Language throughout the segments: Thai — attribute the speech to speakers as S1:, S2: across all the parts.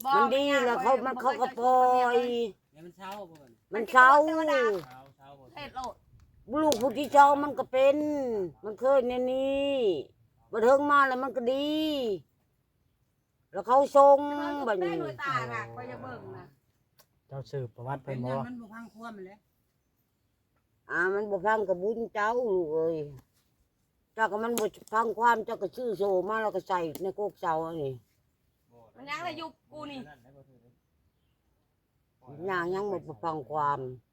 S1: มันดีแล้วเขาก็ปล่อย
S2: มันเช้าบ่
S1: มันเช้า
S2: บ่
S3: เฮ็ดโลด
S1: ลูกผู้ที่เช้ามันก็เป็นมันเคยในนี้บัดเทิงมาแล้วมันก็ดี แล้วเขาทรงบัด
S3: ได้
S1: นี้
S3: หน่วยตาน่ะก็จะเบิ่งนะ
S4: เจ้าสืบประวัติ
S2: เป็
S4: เพิ่
S2: น
S4: นบ่
S2: มันบ่พังควมมันแล้ว
S1: มันบ่ฟังกับบุญเจ้าลูกเอ้ยเจ้าก็มันบ่ฟังความเจ้าก็ชื่อโซมาแล้วก็ใส่ในโกกเสาอันนี้
S3: มันยังได้ยุคกูนี่
S1: ยังบ่ฟังความ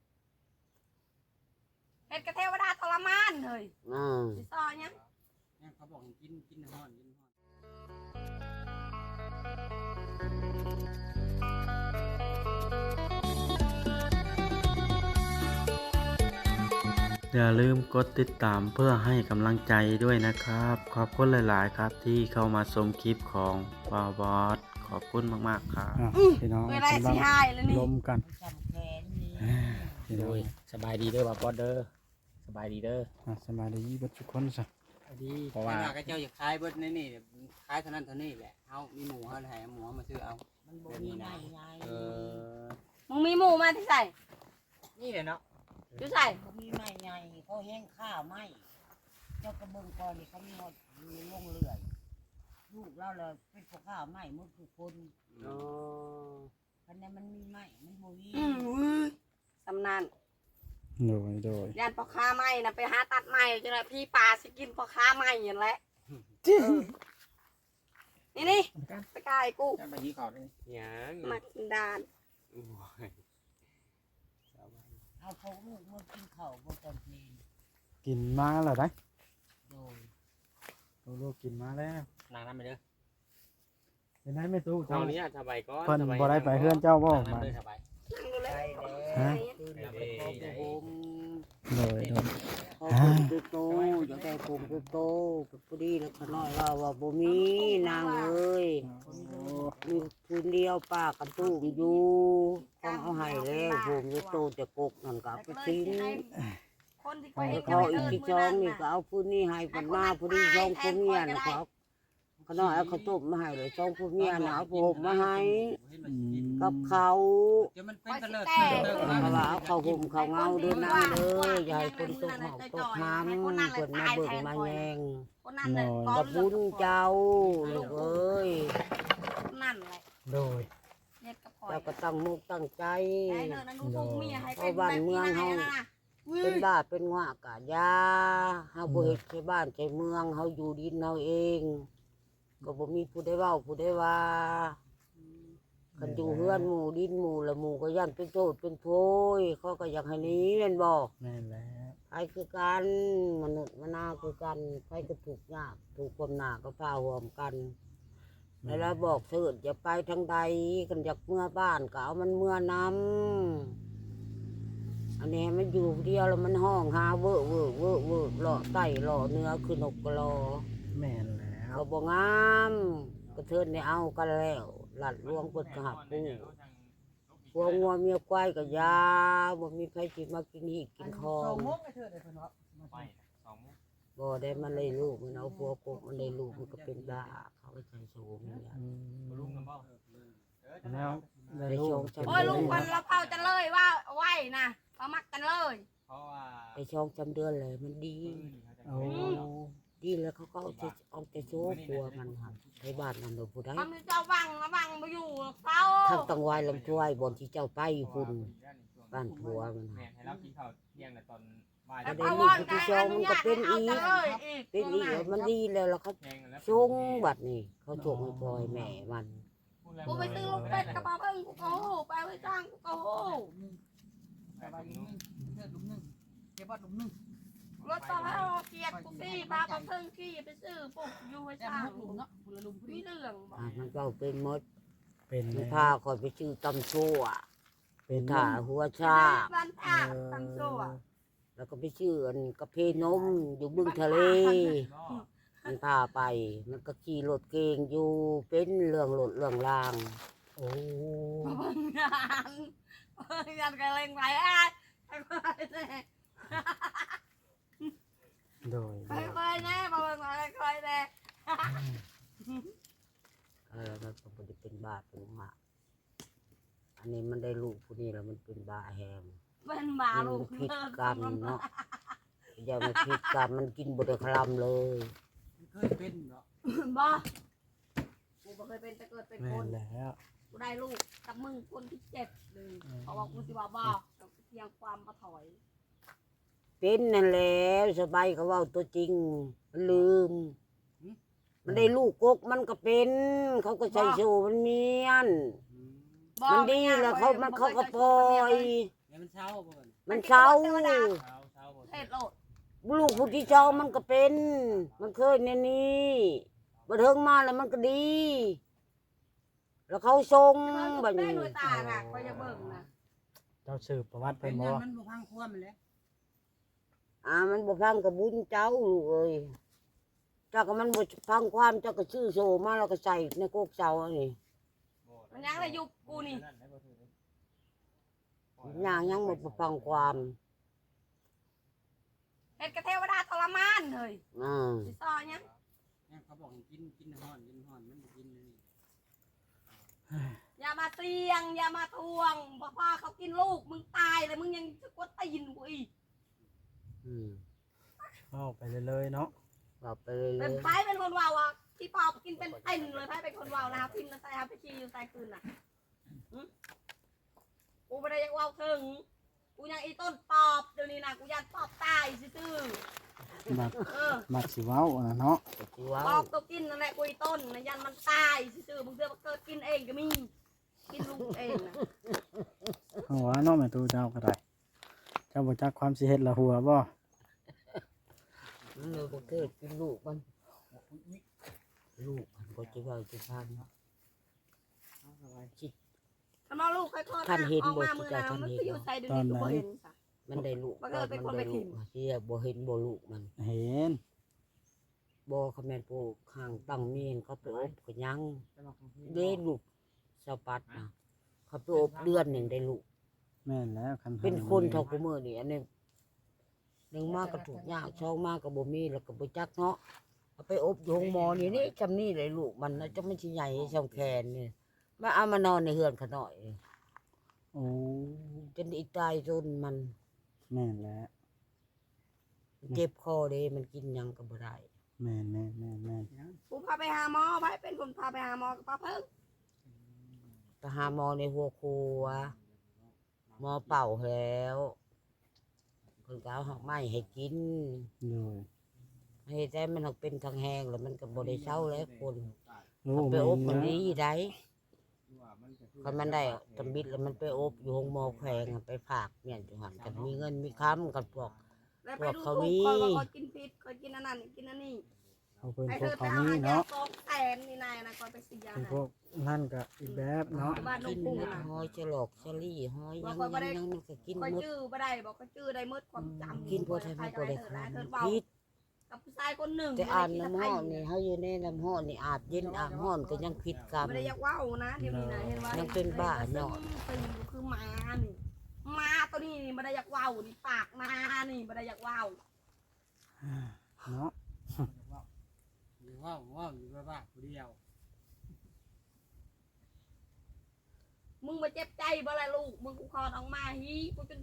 S3: เฮ็ดกระเทวดาทรมานเฮ้ย สิซอยัง
S2: เขาบอกกินฮ้อน
S4: อย่าลืมกดติดตามเพื่อให้กำลังใจด้วยนะครับ ขอบคุณหลายๆครับที่เข้ามาชมคลิปของบาวบอสขอบคุณมากๆครับพี่น้อง
S3: เวลาสิหายแล้วนี่
S4: ลมกัน
S1: จำแขนนี่
S4: พี่น้อง
S5: สบายดีเด้อบาวบอสเด้อสบายดีเด้อ
S4: สบายดีเบิดทุกคนซะ
S2: ดี
S5: เพราะว่า
S2: ก็เจ้าอยากขายเบิดนี่ขายเท่านั้นเท่านี้แหละเฮามีหมูเฮาให้หมูมาซื้อเอา
S1: มันบ่มีไม้ไง
S3: มึงมีหมู่มาที่ใส่
S5: นี่เลยเนาะ
S3: อยู่ใส่
S1: บ่มีไม้ไงเขาแห้งข้าวไม้เจ้ากระเบื้องก่อนนี่เขามีหอดมีลงเลื่อยลูกเราเลยเป็นพวกข้าวไม้หมดทุกคนคันนั้นมันมีไม้มันบ่มี
S3: สำนาน
S4: โดย
S3: ย่านพ่อค้าไม้นะไปหาตัดไม้จังได๋พี่ปลาสิกินพ่อค้าไม้นั่นแหละนี่ไปกายกู
S5: ไปที่เขาเลย
S2: ยัง
S3: มากินดาน
S1: เอาพวกลูกมากินข้าวบ่ตอนเพลน
S4: กินมาแล้วได้
S1: โดย
S4: ลูกกินมาแล้ว
S5: นางน้ำไปเด้อ
S4: เป็นไงไม่ตู้
S5: เท่า
S4: เจ้า
S5: นี้สบายก่อน
S4: เพิ่นบ่ได้ไปเฮือนเจ้าบ่
S5: นาง
S4: มา
S5: น้ำเด้อสบาย
S3: นั่งดูเลย
S1: ไปแล้วคืนนี้ไปขอพระผม
S4: โดย
S1: ขอผมคือโตอยากได้ผมคือโตกับผู้ดีแล้วขน้อยว่าบ่มีนางเอ้ยมีคืนเดียวป้ากันตุ้มอยู่ต้องเอาให้แล้วผมคือโตจะกกนั่นก็เอาไปทิ้ง
S3: คนที่
S1: แล้วเขาอีกที่สองนี่ก็เอาผู้นี้ให้เพิ่นมาผู้นี้สองผู้เมียน่ะเขาขน้อยเอาข้าวต้มมาให้เลยสองผู้เมียน่ะเอาผมมาให้กับเขา
S2: จะมันเป็นตะเลิด
S1: เพราะว่าเอาเขาห่มเขาเงาเดินน้ำเลยอย่าให้คนตกหอกตกน้ำเพิ่นมาเบิ่งมาแยง
S3: คนนั้นน่ะ
S1: กับบุญเจ้าลูกเอ้ย
S3: นั่นแหละ
S4: โดย
S3: เฮ็ดกับข่อย
S1: เจ้าก็ตั้งมุกตั้งใจ
S3: ได้เด้อนั่นดูพวกเมียให้เป็น
S1: เอาบ้านเมืองเฮา เป็นบ้าเป็นงวกะยาเฮาบ่เฮ็ดใช้บ้านใช้เมืองเฮาอยู่ดินเฮาเอง ก็บ่มีผู้ใดเว้าผู้ใดว่าคันอยู่เฮือนหมู่ดินหมู่ละหมู่ก็ย่านเป็นโทษเป็นโพยเขาก็อยากให้หนี้แม่นบ่
S4: แม่นแล้ว
S1: ใครคือกันมนุษย์มนาคือกันใครก็ถูกยากถูกความหนาก็พาห่วมกันแล้วบอกเถิดอย่าไปทางใดกันอยากเมื่อบ้านก็เอามันเมื่อนำอันนี้มันอยู่เดียวแล้วมันห้องหาเวอเวอเวอเวอหล่อไต่หล่อเนื้อคือนกกระลอ
S4: แม่นแล้ว
S1: ก็บ่งามกระเทินได้เอากันแล้วหลัดลวงเปิดกระหับปูพวงงัวเมียควายก็ยาบ่มีใครสิมากินหีกกินคอง บ่ได้มันเลยลูกมันเอาพวกกมันเลยลูกมันก็เป็นบ้าเขาก็ใช้โชมเนี่ย
S4: แล้ว
S1: ได้โชมจำ
S3: โอ้ยลุงคนเราเผาจะเลยว่าไหวนะเรามักกันเลย
S2: เพราะว่า
S1: ได้โชมจำเดือนเลยมันดี
S4: เอา
S1: ดีแล้วเขาก็เอาแต่โชว์ปัวมันค่ะในบ้านนั่นเดี๋ยวผู้ใด
S3: ทำเจ้าวังระวังไปอยู่เขา
S1: ทั้งตังวายลำช่วยบนที่เจ้าไปคุณบ้านผัวมัน
S5: แม่ให้เรากินข้าวเที่ยงในตอนบ่าย
S3: แต่
S5: ได้
S3: พอวอนกันอนุญาตให้เอาจะเลยอีก
S1: เป็นอีกแล้วมันดีแล้วแล้วเขา
S5: แพงแล้ว
S1: ชงบัดนี่เขาชงให้พ่อยแม่มัน
S3: กูไปซื้อลูกเป็ดกระเพราเพิ่งกูโก้ไปไปจ้างกูโก้รถต่อให้เอาเกียรติกูสิพาไปเพิ่งขี้ไปซื้อปุ๊บอยู่ให้จ้างมีเรื่องบอก
S1: มันก็เป็นมด
S4: เป็น
S1: มันพาคอยไปชื่อตำชั่ว
S4: เป็น
S1: ถ่าหัวชา
S3: บ้านท่าตั้งโซ่อะ
S1: แล้วก็ไปชื่ออันกระเพนมอยู่บึงทะเลมันพาไป มันก็ขี่รถเก่งอยู่เป็นเรื่องรถเรื่องราง
S4: โอ้
S3: เบิ่งงานเบิ่งงานกันเล่งไปอ่ะค่อยๆแน่
S4: โดย
S3: ค่อยๆแน่มาเบิ่งมาค่อยๆแน่
S1: มันก็บ่ได้เป็นบาปเป็นหมาอันนี้มันได้ลูกผู้นี้แล้วมันเป็นบ้าแฮม
S3: เป็นบา
S1: มัน
S3: ลูก
S1: ผิดกรรมเนาะอย่ามาผิดกรรมมันกินบุตรคลำเลย
S2: เคยเป็นเนาะ
S3: บ่กูบ่เคยเป็นแต่เกิดเป็น
S4: แม่
S3: คน
S4: นแล้ว
S3: กูได้ลูกกับมึงคนที่เจ็บเลยเพราะว่ากูสิว่าบ่กับเพียงความมาถอย
S1: เป็นนั่นแหละสบายเขาเว่าตัวจริงมันลืม มันได้ลูกกกมันก็เป็น เขาก็ใส่โซ่มันเมียน มันดีแล้วมันเขาก็ปล่อย
S2: แล้วมันเช้าบ่น
S1: มันเศร้า
S2: เช้าบ่
S3: เฮ็ดโลด
S1: ลูกผู้ที่เจ้ามันก็เป็น มันเคยในนี้บัดเทิงมาแล้วมันก็ดี แล้วเขาทรง
S3: บั
S1: บั
S3: ด
S1: ด
S3: นี้
S1: นี้
S3: หน่วยตาน่ะคอยจะเบิ่งนะ
S4: เจ้าสืบประวัติ
S2: เป็
S4: เพิ่
S2: น
S4: นบ่
S2: มันบ่พังความมันแล้ว
S1: มันบ่ฟังกับบุญเจ้าลูกเอ้ยเจ้าก็มันบ่ฟังความเจ้าก็ชื่อโซมาแล้วก็ใส่ในโกกเจ้าอันนี้
S3: มันยังได้อยู่กูนี่
S1: ยังบ่ฟังความ
S3: เฮ็ดกระเทวดาทรมานเฮ้ย
S1: อ่า
S3: สิซอยัง
S2: เนี่ยเขาบอกให้กินฮ้อนมันบ่กินเลย
S3: อย่ามาเตียงอย่ามาทวงบอกว่าเขากินลูกมึงตายเลยมึงยังจะกดตีนกูอีก
S4: เข้าไปเลยๆเนาะ
S1: บอกไปเลย
S3: เป็นไผเป็นคนว่าวอ่ะที่ปอบกินเป็นเต็นเลยไผเป็นคนว่าวนะครับพิมพ์แล้วใส่ครับไปชี้อยู่ใส่คืนน่ะหึกูไม่ได้ยังว่าวถึงกูยังอีต้นปอบเดี๋ยวนี้นะกูยันปอบตายซื่อ
S4: มัก
S3: ๆเออ
S4: มักสิเว้าน่ะเนาะ
S1: สิว่า
S3: ปอบตัวกินนั่นแหละกูอีต้นนะยันมันตายซื่อๆมึงเสือมาเกิดกินเองก็มีกินลูกเองนะ
S4: หัวเนาะแม่ตูเจ้าก็ได้เจ้าบ่จักความสิเฮ็ดละหัวบ่
S1: มันเลยบ่เกิดกินลูกมันลูกมันก็จะว่าจะพันคิด
S3: ถ้ามาลูกค่อยๆ
S1: ท่านเห็น
S3: ออก
S1: บ่
S3: มา
S1: ที่
S3: มือ
S1: เจ้า
S3: นะ
S1: ท่าน
S3: มัน
S1: เห็น
S3: ก็อยู่ใส่เดี๋ยวนี้ก็บ่เห็นจ้ะ
S1: มันได้ลูก
S3: มันก็เลยเป็นคนไปถิ่ม
S1: เสียบ่เห็นบ่ลูกมัน
S4: เห็น
S1: บ่คำแม่นปลูกข้างตั้งเมียนเขาไปอบก็ยังได้ลูกสะปัดนะเขาไปอบเดือนหนึ่งได้ลูก
S4: แม่นแล้วคัน
S1: เป็นคนเท่ากูมื้อนี่อันนี้หนึ่งมากก็ถูกยากสองมากก็บ่มีแล้วก็บ่จักเนาะเอาไปอบอยู่โรงหมอนี่จำนี่เลยลูกมันนะจะไม่ใช่ใหญ่ช่ำแขนนี่มาเอามานอนในเฮือนเขาหน่อย
S4: โอ้
S1: จนอีตายจนมัน
S4: แม่นแล้ว
S1: เจ็บคอเด้มันกินหยังก็บ่ได้
S4: แม่น
S3: กูพาไปหาหมอไปเป็นคนพาไปหาหมอกับป้าเพิ่ง
S1: ไปหาหมอในหัวครัวหมอเป่าแล้วคนก็เอาหอกไม้ให้กิน
S4: โดย
S1: ให้แต่มันหักเป็นทางแห้งแล้วมันก็บ่ได้เศร้าแล้วคน
S4: โอ้
S1: เอาไป
S4: แม่
S1: อบ
S4: น
S1: มัน
S4: แล้ว
S1: ดีได้คันมันได้ตำบิดแล้วมันไปอบอยู่ห้องหมอแขวงอะไปฝากเนี่ยจุหันกันมีเงินมีค้ำกันพวก
S3: แล้วไปดู
S1: เขา
S3: ถู
S1: มี
S3: กคนว่าคนกินพิษคนกินอันนั้นกินอันนี้
S4: เอาเพิ่น
S3: ไอ้
S4: พ
S3: เธ
S4: วก
S3: อไป
S4: เขา
S3: เอา
S4: มี
S3: อันยา
S4: เนาะ
S3: สองแสนนี่นายนะก่อนไปเสีย
S4: เป็น
S3: นะ
S4: พวกนั่นก็อีกแบบเนาะ
S3: บ้านนุ่
S1: กิ
S3: ง
S1: น
S3: กุ้ง
S1: เม็ด
S3: นะ
S1: หอยฉลอกฉลี่หอยยังมันก็กิน
S3: คอย
S1: หมด
S3: จื้อบ่ได้บอกก็จื้อได้มืดความจำ
S1: กินพอไทยไม่พอได้
S3: เธ
S1: ค้
S3: อเธอ
S1: ำ
S3: เบา
S1: พิษ
S3: กับผู้ชายคนหนึ่ง
S1: แต่อ่านน้ำห้อนนี่เขาอยู่ในน้ำห้อนนี่อาบเย็นอาบห้อนก็ยังผิดกรรม
S3: ไม่ได้อยากว่าวนะเดี๋ยวนี้นะเห็นว่า
S1: ยังเป็นบ้าเนาะ
S3: ซึ่งคือหมานี่หมาตัวนี้นี่ไม่ได้อยากว่าวนี่ปากหมานี่ไม่ได้อยากว่าว
S4: เนาะ
S2: อยู่ว่าอยู่บ้าผู้เดียว
S3: มึงมาเจ็บใจบ่ละลูกมึงกูคลอดออกมาฮีกูจน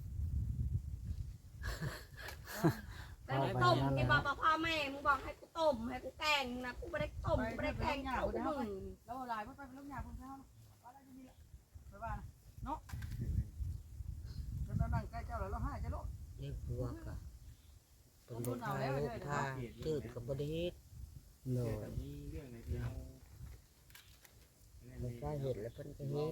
S3: แต่กูต้มกินบ่พ่อแม่มึงบอกให้กูต้มให้กูแกงนะกูไม่ได้ต้มกูไม่ได้แกงเขากูมึง
S6: แล้วลายไปลูกหยาพุ่งเข้าว่าอะไรนี่แหละไปบ้านเนาะแล้วนั่งใกล้เจ้าแล้วเราให้จะลูก
S1: เรียกพวกอะเป็นลูกทาลูกทาตื่นกับบไดเฮ็ด
S4: โดย
S2: มีเรื่องในที่เรา
S1: มันก็เห็ดแล้วเพิ่นก็เฮ็ด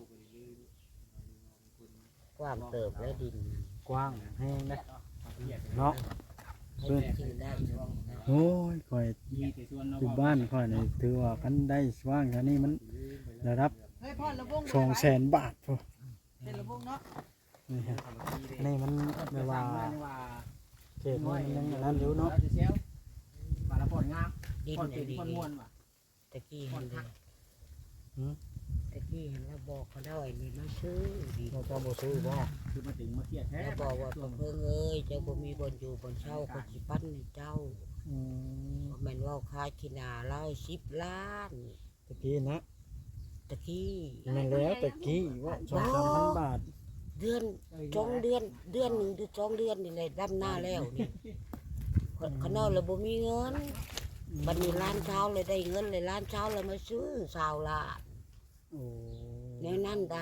S1: กว้างเติบและดิน
S4: กว้างแห้งเด้เนาะ
S1: ให้กินได้อยู่นะ
S4: โอ้ยข่อย
S2: มีแต่ส่วนเรา
S4: อยู่บ้านข่อยนี่ถือว่าคันได้ว่างแค่นี้มันระดับ
S6: เฮ้ยพ่อระวง
S4: 200,000 บาทพุ่น
S6: เป็นระวงเนาะ
S4: นี่ฮะนี่มันไม่ว่า
S2: ว่า
S4: เขตมันยังอย่างนั้นอยู่เนาะ
S2: เซลมาละปอนงาม
S1: ดิน
S2: ปอน
S1: ไอ้
S2: เป็น
S1: ดี
S2: ปอนม้วนว่ะ
S1: ตะกี้เห็นเลยตะกี้เห็นแล้วบอกเขาได้นี่มาซื้อดี
S4: เราจะบ่ซื้อบ่
S2: คือมาถึงมาเครียดแท้
S1: แล้วบอกว่าเพิ่งเอ้ยเจ้าบ่มีบนอยู่บนเช่าก็สิปั้นให้เจ้า
S4: อืม
S1: แม่นว่าขายที่นาเรา10 ล้าน
S4: ตะกี้นะ
S1: ตะกี้
S4: แม่นแล้วตะกี้ว่า2-3,000 บาท
S1: เดือน2 เดือนเดือนหนึ่งหรือ2 เดือนนี่แหละดำหน้าแล้วนี่เขานอนแล้วบ่มีเงินบัดนี้ร้านเช้าเลยได้เงินเลยร้านเช้าเลยมาซื้อสาวละ
S4: โอ้
S1: แนวนั้นใด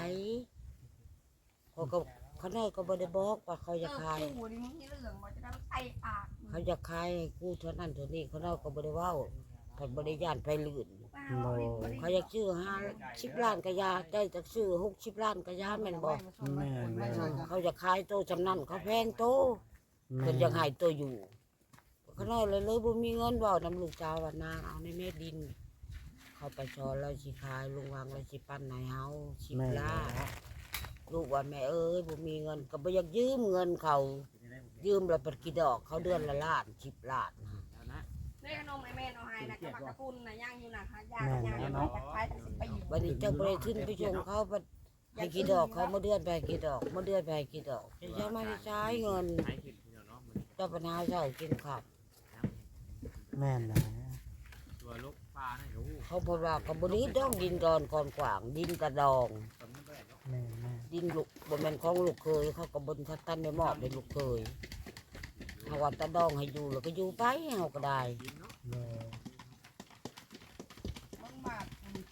S1: เขาน้อยก็บ่ได้บอกว่าเขาจะขาย
S3: กูนี่มึงนี่เรื่องบ่จะได้ใส่ปาก
S1: เขาจะขายให้กูเท่านั้นเท่านี้เขาน้อยก็บ่ได้เว้าเพิ่นบ่ได้ย่านไปลื่นเขาอยากซื้อ50 ล้านก็ยาได้จักซื้อ60 ล้านก็ยาแม่นบ่
S4: แม่นแล้ว
S1: เขาจะขายโตจำนั้นเขาแพงโต
S4: แม่
S1: เพิ่นอยากให้โตอยู่เขาน้อยเลยบ่มีเงินเว้านำลูกสาวว่านางเอาในแม่ดิน เขาไปชอแล้วสิขายลุงวางแล้วสิปั้นให้เฮา10 ล้านลูกว่าแม่เอ้ยบ่มีเงินก็บ่อยากยืมเงินเขายืมแล้วเปิดกี่ดอกเขาเดือนละล้าน10 ล้าน
S3: นี่ขนมไอ้แม่เอาให้นะกับปากกระปุนนะย่างอยู่นะค่ะย่างจากขายทั้ง10 ปี
S1: บัดนี้เจ้าบ่ได้ขึ้นไปชงเขาบัดให้กี่ดอกเขามาเดือนไปให้กี่ดอกมาเดือนไปให้กี่ดอกจะมาได้ใช้เงินเจ้าปัญหาเจ้ากินข้าว
S4: แม่นแล้ว
S5: ตัวลูกปลาให้รู้
S1: เขาบอกว่าก็บ่นี้ต้องดินดอนก่อนขวางดินกระดอง
S4: แม่น
S1: ดินลูกบ่แม่นของลูกเคยเขาก็บ่ทันตันได้มอบให้ลูกเคยเฮาว่าตะดองให้อยู่แล้วก็อยู่ไปเฮาก็ได้
S4: แม่
S6: มึงบาท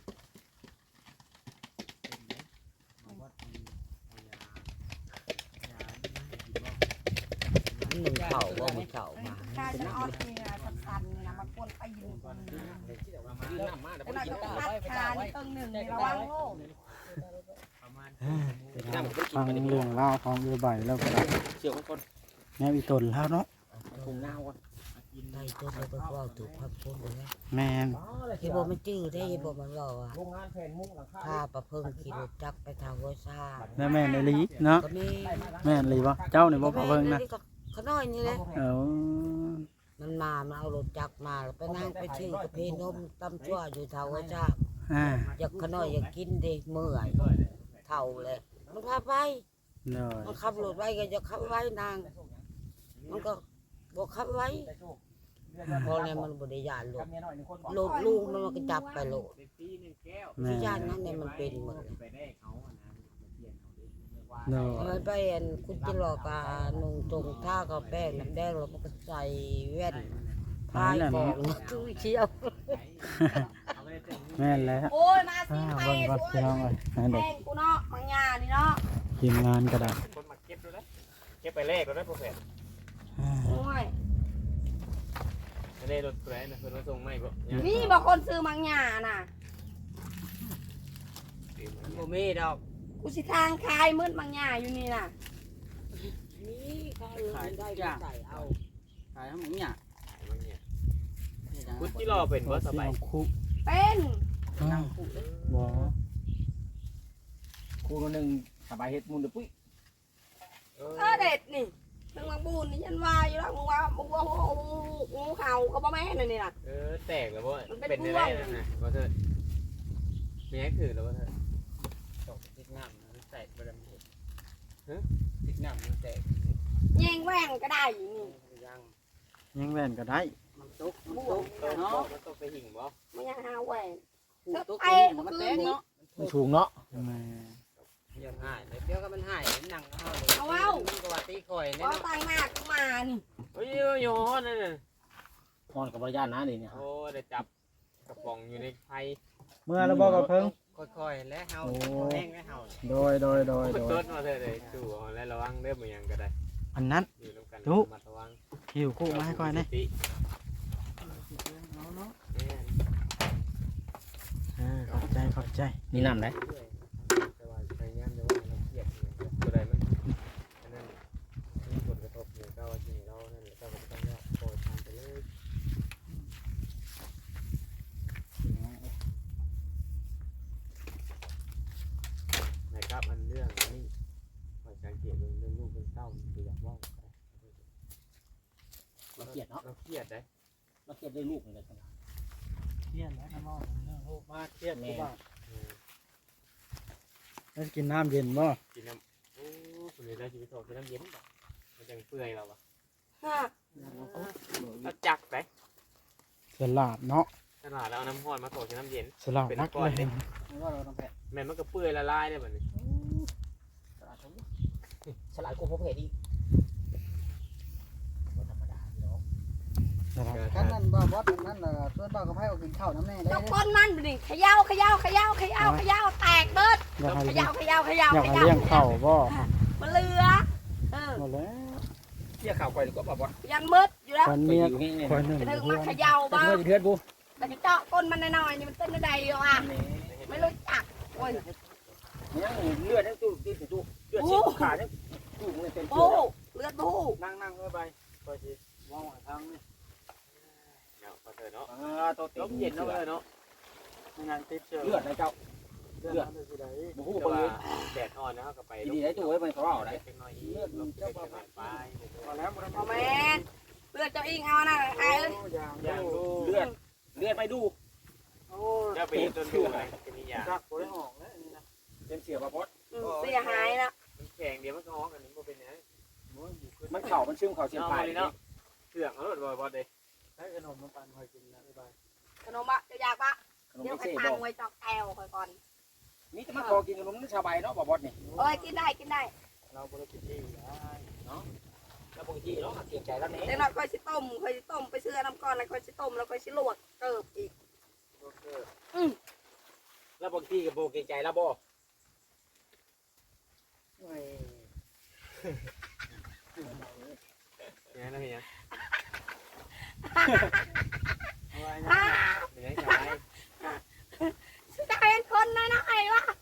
S1: หนึ่งเข่าบ่มีเข่ามา
S3: ข้าจะเอาที่สั้นๆนี่นะมาป้นไปอยู่คนนึง
S5: น้ำมาแต่
S3: แล้วเราจะตัดขานี่ตึงหนึ่งในระวังโลก
S5: ประมาณ
S4: ฟังเรื่องราวของเรือใบแล้วก็
S5: เชี่ยวคน
S4: แม่อีตนแล้วเนาะ
S5: ถุงเน่าก่อน
S1: ได้ตัวไปก็ว่าถูกพักพ้นเลย
S4: แม่น
S1: เฮ็ดบ่มันจื้อได้เฮ็ดบ่มันรออ่ะ
S5: โรงงานแผ่นมุ้งหลังคา
S1: พาประเพิ่งขี่รถจักรไปทางห้วยซ่า
S4: แล้วแม่นอีหลีเนาะ
S1: ก็มี
S4: แม่นอีหลีบ่เจ้านี่บ่พอเบิ่งนะ
S1: เขาน้อยนี่แหละ
S4: เออ
S1: มันมาเอารถจักรมาแล้วไปนั่งไปชื่อกาแฟนมตำชั่วอยู่เท่าไอ้จ้า
S4: อ่า
S1: อยากขน้อยอยากกินเด็เมื่อยเท่าเลยมันพาไป
S4: เนาะ
S1: มันขับรถไว้ก็จะขับไว้นาง มันก็บอกขับไว้พอแล้วมันบริยานรถรถลูกมันก็จับไปโลด
S4: แม่
S1: ที่ย่านนั้นเนี่ยมันเป็นหมดเลย
S5: ไปได้เขาอ่ะนะเปลี่ยนเขาดิว่า
S4: เนาะ
S1: มันไปอันคุณจิรอกานุ่งตรงท่ากับแป้งน้ำแดงแล้วมันก็ใส่แว่นพายของตู้เชียว
S4: แม่นแล้ว
S3: โอ้ยมาสิ
S4: อ่า
S3: ไป
S4: เบิ่งก่อนพี่น้องเอ้ยให้
S3: แพ
S4: เด็ก
S3: งกูเนาะมังยานี่เนาะ
S4: ทีมงานก็ได้
S5: คนมาเก็บด้วยนะเก็บไปเลขก็ได้โปรเฟส
S4: อ่า
S3: โอ้ย
S5: ไม่ได้รถแกรนนะเพิ่นมาส่งไม่บ่
S3: นี่บอกคนซื้อมังยาน่ะ
S2: บ่มีดอก
S3: กูสิทางคายมืดมังยาอยู่นี่น่ะ
S1: นี่ขายได้ก็ใส่เอา
S2: ขายทั้งหมดเนี่ย
S5: พุทธที่รอเป็นบ่สบาย
S4: คุ
S3: เป็น
S4: นั่งบ่
S5: ครูนึงสบายเฮ็ดมุนเด้อปุ้ย
S3: เด็ดนี่ถึงมังบูนนี่ฉันว่าอยู่แล้วมึงว่างูเห่าก็บ่แม่นนี่น่ะ
S5: แตกแล้วบ่
S3: มันเป็น
S5: เป็นได้
S3: พ่วง
S5: นั่นน่ะบ่เถิดมีให้ถือแล้วบ่เถิด
S2: ตกติดน้ำมันแตกบ่ได้มันติดน้ำมันแตก
S3: แย่งแหว่งก็ได้นี่
S2: ยัง
S4: ยังแว่นก็ได้
S2: มันตกมันตกเนาะ
S5: มันต้องไปหิ่งบ่
S3: มันยังหาแหว่ง
S2: ตก
S3: ไอ้
S2: มันแตกเนาะ
S4: มันสูงเนาะแม่
S2: ยังหายเดี๋ยวก็มันหายนั่งเอาเลย
S3: เอาเว้า
S2: มันก็ว่าตีข่อยเนี่ย
S3: ก็
S2: เนาะ
S3: ตั้งหน้ากูมานี่
S5: โอ้ยโยนนั่นน่ะ
S4: พรกับบริญาณนะนี่เนี่ย
S5: โอ้ได้จับกระป๋องอยู่ในไฟ
S4: เมื่อเราบอกกับเพิ่ง
S2: ค่อยๆและเฮา
S4: โอ้
S2: แห้งและเฮา
S4: โดย
S5: ต้นมาเถอะเลยจู่เอาแล้วระวังเด้อบ่หยังก็ได้
S4: อันนั้น
S5: อยู่นำกัน
S4: จุ๊
S5: ระมัดระวัง
S4: หิวคู่มาให้ก่อนนะ
S5: ติ
S4: ขอบใจนี่นำไหน
S5: แต่ว่าพยายามจะว่าเราเครียดเนี่ยบ่ได้มันอันนั้นมีผลกระทบอยู่ก็ว่าสิเรานั่นแหละก็ต้องว่าโปรยทานไปเลยนะครับอันเรื่องนี้ขอสังเกตเรื่องลูกเรื่องเต้าดูอยากว่า
S2: เราเกลียดเนาะ
S5: เราเครียดได้
S2: เราเกลียดได้ลูกเลยครับ
S6: เครียดแล้วน้องเรื่องลูกมาเครียดกูบ้า
S4: แล้วกินน้ำเย็นบ่
S5: กินน้ำโอ้คนนี้ได้ชีวิตโตกินน้ำเย็นบ่มันจังเปื่อยเราอะ
S3: ฮะ
S5: เราจักไป
S4: สลัดเนาะ
S5: ตลาดแล้วเอาน้ำห้อนมาโตกินน้ำเย็น
S4: สลัดนักเลย
S3: ม
S6: ว่าเราต้องแพ้
S5: แม่นมันก็เปื่อยละลายได้บัดนี้
S7: ฉลาดกว่าพวกเพจอีกธรรมดาพี่น้อง
S6: กันนั่นบ่บอสนั่นน่ะส่วนบ่กับไผเอากินข้าวน้ำแน่ได้
S3: เจ้าก้นมันนี่เขย่าแตกเบิด
S4: อยากให้
S3: เข
S4: เลี้
S3: ย่าย
S4: งอยากให้เลี้ยงเข้าบ่
S3: มันเหลือ
S4: หมดแล้ว
S7: เที่ยข่าวก่อยดีกว่าบ่บอส
S3: ยันมืดอยู่แล้ว
S4: คนเมียคนหนึ่ง
S3: จะถึง
S4: เพื่
S3: มา
S4: อน
S3: เขย่าบ้าง
S7: เพื่อนกู
S3: แต่เจาะก้นมันหน่อยๆนี่มันเต้นได้อยู่อ่ะไม่รู้จักโอ้ย
S7: ยังเลือดยังตู้เลือดฉีกขาดยังตู้มึงเต็ม
S3: บู
S7: เลือด
S3: เลือดบู
S6: นั่งเข้าไปก็สิมองทางนี่
S5: เนาะพอเถอะเนาะ
S7: ตัว
S5: ลมเย็นเนาะเนาะ
S6: งานติดเชื้อ
S7: เลือดนะเจ้า
S6: เลือดมันสิได้
S7: บ่ฮู้
S5: แต่
S7: บ่
S5: ว่า
S7: เลย
S5: แดดอ่อนนะก็ไป
S7: ดีได้ตู้ไว้มันเขาเอาได้
S5: เล็กน้อยอีกลมจะไปไป
S6: พอแล้วบ่ได้
S3: โอ้แม่เลือดเจ้าอิงเอานะไอ้เอ้ย
S5: อย่างดู
S7: เลือดไปดู
S6: โอ้
S5: จะไปจนดูอะไรจะมีอย่าง
S6: จักบ่ได้ออกแล้วนี่นะ
S7: เต็มเสียบ่บอส
S3: เสียหายนะ
S5: มันแข็งเดี๋ยวมันก็ออกกันนี่บ่เป็นหยัง
S7: มันเข่ามันซึมเข่าเสียบ
S5: เอา
S7: ปลาย
S5: เลยเนาะเครื่องเอาบ่บ่เด้
S6: ให้ขนมมาปั่นคอยกินนะบ๊ายบาย
S3: ขนมอะจะอยากปะ
S7: ขนม
S3: เดี๋ยว
S7: เซ่
S3: ไป
S7: บ
S3: ตั
S7: อง
S3: ไว้จอกแอวคอยก่อน
S7: มีแต่มาขอกินขนมชาวใบเนาะบ่บอสนี่
S3: เอ้ยกินได้
S6: เราบ่ได้กินที่ได้
S7: แล้วปกติเนาะเสียใจแล้วนี่
S3: เดี๋ยวหน่อยค่อยสิต้มไปเสื้อน้ำก้อนแล้วค่อยสิต้มแล้วค่อยสิลวกเกิบอีก
S7: แล้วปกติก็บ่เกรงใจแล้วบ่
S6: โอ้ย
S5: ยังไงยัง
S6: เอาไว้
S3: ฮ่า
S5: ยังไง
S3: สุดท้ายเป็นคนนะไอ้วะ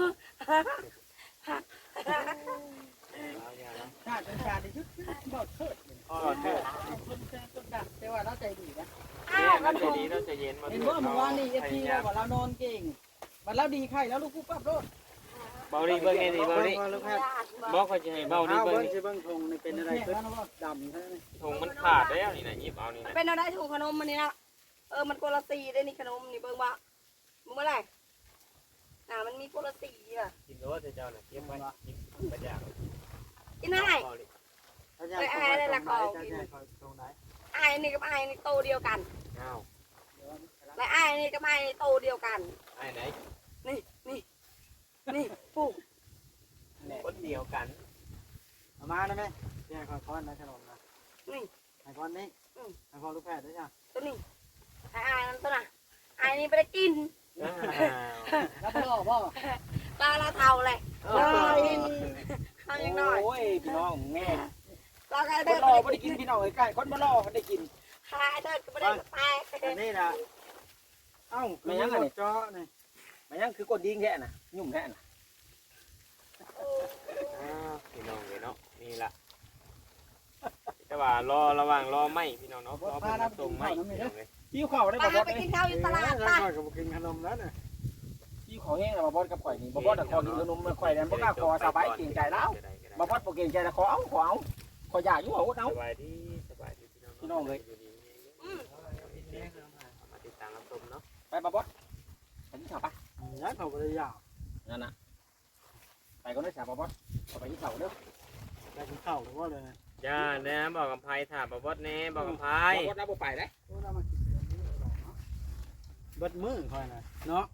S6: ชาติเป็นชาติที่ชุดบ่เทิด
S5: อ๋อเถอะ
S6: คนแซงคนดักแต่ว่าเราใจดีนะ
S3: อ้าว
S5: เราใจดีเราใจเย็นมา
S6: เห็นว่าเมื่อวานนี่FP เราบอกเรานอนเก่งบัดเราดีไข่แล้วลูกกูปั๊บโลด
S5: เบาดีเบิ่งไงดีเบาดีบอกเขาจะให้เบาดี
S6: เอา
S5: เบิ่
S6: เบิ้
S5: ง
S6: งสิเบิ้งทงนี่เป็นอะไรขึ้นดำใช่ไหม
S5: ถุงมันขาดแล้วนี่นะหยิบเอานี่นะ
S3: เป็นอะไรถูกขนมมันนี่นะมันโกละสีได้นี่ขนมนี่เบิ่งว่ามึงเมื่อไหร่มันมีโกละสีอ่ะ
S5: กินโดสเจ้าน่ะเก็บไว้กินประหยัด
S3: กินได้
S6: ถ้าจะเอาไปตรงไหน
S3: ไอ้นี่กับไอ้นี่โตเดียวกัน
S5: อ้าว
S3: และไอ้นี่กับไอ้นี่โตเดียวกัน
S5: ไอ้ไหน
S3: นี่ปุ๊บ
S5: คนเดียวกัน
S6: เอามาได้ไหมแย่ขอพรนะขนมนะ
S3: นี่
S6: ให้พรนี่ให้พรลูกแพทย์ด้วยจ้ะ
S3: ตัวนี้ไอ้นั่นตัวน่ะไอ้นี่ไปได้กิน
S6: แล้วพ่อพ่อ
S3: เราเท่าเลยทำยังน้อย
S7: โอ้ยพี่น้องแง่
S3: เราก็
S7: ค
S3: เดิ
S7: น
S3: น
S7: รอไม่ได้กินพี่น้องใกล้คนมารอได้กิน
S3: ขายเดินก็ไม่ได้แตก
S6: อันนี้นะเอ้าไม่ยังไงเจาะนี่
S7: มันยังคือกดดิ้งแค่น่ะยุ่มแค่น่ะ
S5: พี่น้องเลยเนาะนี่ล่ะแต่ว่ารอระหว่างรอไม่พี่น้องเนาะรอเป็นตรงไม่พี่น้องเลย
S7: พี่เขาได้
S3: ป้า
S7: บ่บอส
S3: ไปกินข้าวอยู่ตลาด
S6: ป้า
S3: ป้า
S6: ก็กินขนมแล้วน่ะ
S7: พี่เขาแห้งแล้วบ่บอสกับข่อยนี่บ่บอสขอกินขนมมาข่อยนั้นบ่กล้าขอสบายเก่งใจแล้วบ่บอสบ่เก่งใจแล้วขอเอาขออยากอยู่เอา
S5: สบายดีพี่น้องเลยมาติดตามรับชมเนาะ
S7: ไปบ่บอสไปที่เขาปะ
S6: ย้ายเขาไปเลยยาว
S7: นั่นน่ะไปก็ได้สาบ่บอสเอาไปที่เขาเด้อ
S6: ได้กินข้าวหรือว่าเลย
S5: จ้าเนี่ยบอกกับไพ่ถามบอกว่าแน่บอกกับไพ่
S7: บ่บอสรับบ่ไปเด้
S6: โอ้เรามากินเบิดมือคอยนะเนาะ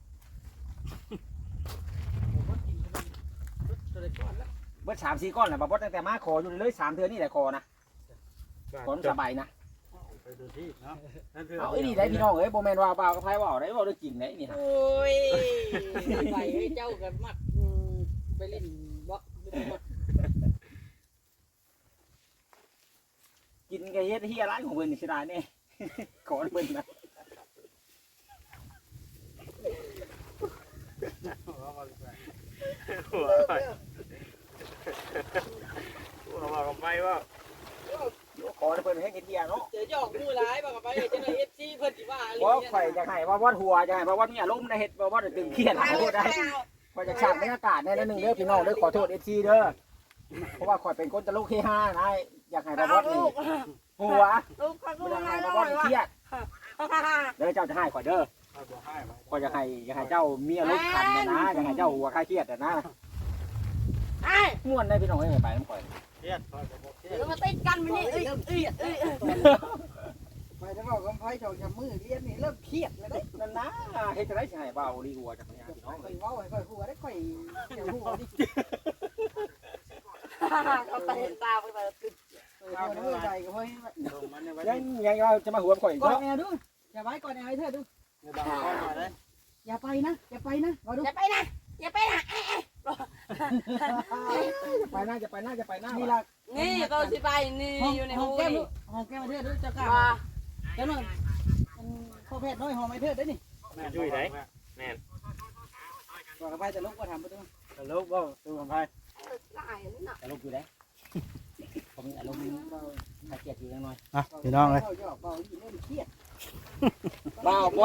S7: เบิด3-4ก้อนแหละบ่บอสตั้งแต่มาขออยู่เลย3เทื่อนี่แหละขอนะขอสบายนะ
S6: ไปดูที่เนาะ
S7: เอาไอ้นี่ได้พี่น้องเอ้ยบ่แม่นว่าเปล่ากับไผว่าได้บ่ได้กินได้นี่ฮะ
S6: โอ้ยไปเจ้ากันมักไปเล่นบ่
S7: กินก็เฮ็ดเฮียร้านของเพิ่นนี่สิได้แน่ ขอเพิ่นนะ
S5: หัวบอกกับไพ่ว่า
S7: ขอเพิ่นให้กินเฮียเนาะ
S6: เดี๋ยวจะออกมือร้ายบอกกับไปจะได้ FC เพิ่นสิว่าอะไร
S7: บ่ข่อยจะให้ว่าวัดหัวจะให้ว่าวัดมีอารมณ์ได้เฮ็ดว่าวัดตึงเครียดขอโทษได้ข่อยจะฉากบรรยากาศแน่นึงเด้อพี่น้องเด้อขอโทษ FC เด้อเพราะว่าข่อยเป็นคนตลกเฮฮานะอยากให้ว่าวัดนี่หัว
S3: ลูกเขาก็
S7: บ่อยาก
S3: มา
S7: ให้
S3: แล้
S7: ว่าว วัดเครียด
S3: ว่า
S7: เด้อเจ้าจะให้ข่อยเด้อข่อยจะให้เจ้ามีอารมณ์ขันนะอยากให้เจ้าหัวคลายเครียดนะ
S3: ไอ้
S7: ม่วนได้พี่น้องเอ้ยไปน้ำข่อย
S6: เครียดคอยกับบ่เครียด
S3: หรือมาติดกันมันนี่
S6: ไปถ้าบอกกับไผเจ้าจะมือเรียนนี่เริ่มเครียดแล้วเด้
S7: นั่นนะเฮ็ดจะได้สิให้เบาลีหัวจักเนี่ยพี่น้อง
S6: ค่อยเว้าให้ค่อยหัวได้ค่อยเดี๋ยวหัวดิ
S3: เขาไปเห็นตาไปตึก
S6: เอาเด้อใจก็เฮ้ย
S2: ลงมันในวัน
S7: ยัง
S2: นี้
S7: ยังเราจะมาหัวข่อย
S6: ก่อน
S7: เนาะ
S6: แอร์ดูอย่าไว้ก่อนแอร์ให้เธอดู
S2: ในบางข้อมาเลย
S6: อย่าไปนะอย่าไปนะมาดู
S3: อย่าไปนะอย่าไปนะ
S7: ไปหน้าจะไปหน้าจะไปหน้า
S6: นี่
S7: นี่
S6: ล่ะ
S3: นี่ก็สิไปนี่อยู่ใน
S6: ห้
S3: หู
S6: องแก้ม
S3: นี่
S6: ห้องแก้มเธอดูเจ้ากล้า
S3: ว่า
S6: เจ้าหน่อยพ่อแพทย์น้อยห้องไม้เธอได้นี่
S5: ยุ่ยได้
S6: ก่อนไปแต่ลูกก็ทำไปดู
S5: ตลกบ่ตัวของไผ
S3: หลายนี่น่ะ
S7: จะลุกอยู่ได้ผมอารมณ์มาเกียดอยู่ยังน้อย
S4: อ่ะพี่น้องเลย
S6: เบาอยู่เล่นเครียด
S7: เบาบ่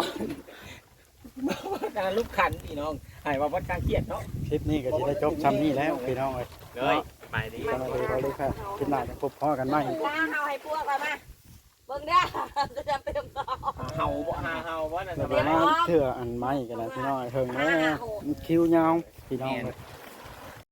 S7: การลุกขันพี่น้องให้ว่าวัดการเกียดเนาะ
S4: คลิปนี้ก็จะได้จบซ้ำนี้แล้วพี่น้องเลย
S5: เลยไปดี
S4: ก็มาดูเราเลยค่ะคลิปหน้าจะพบพ่อกันใหม่
S3: ล้างเฮาให้พวกมาเบิ่งเด้อจะจำเป็นต่อ
S7: เห่าบ่
S5: หาเฮาบ่น่ะส
S4: เดี๋ยว
S5: บาย
S4: มาเถื่ออันใหม่กันนะพี่น้องเถิงแม่คิวยาวพี่น้องเลย
S5: แ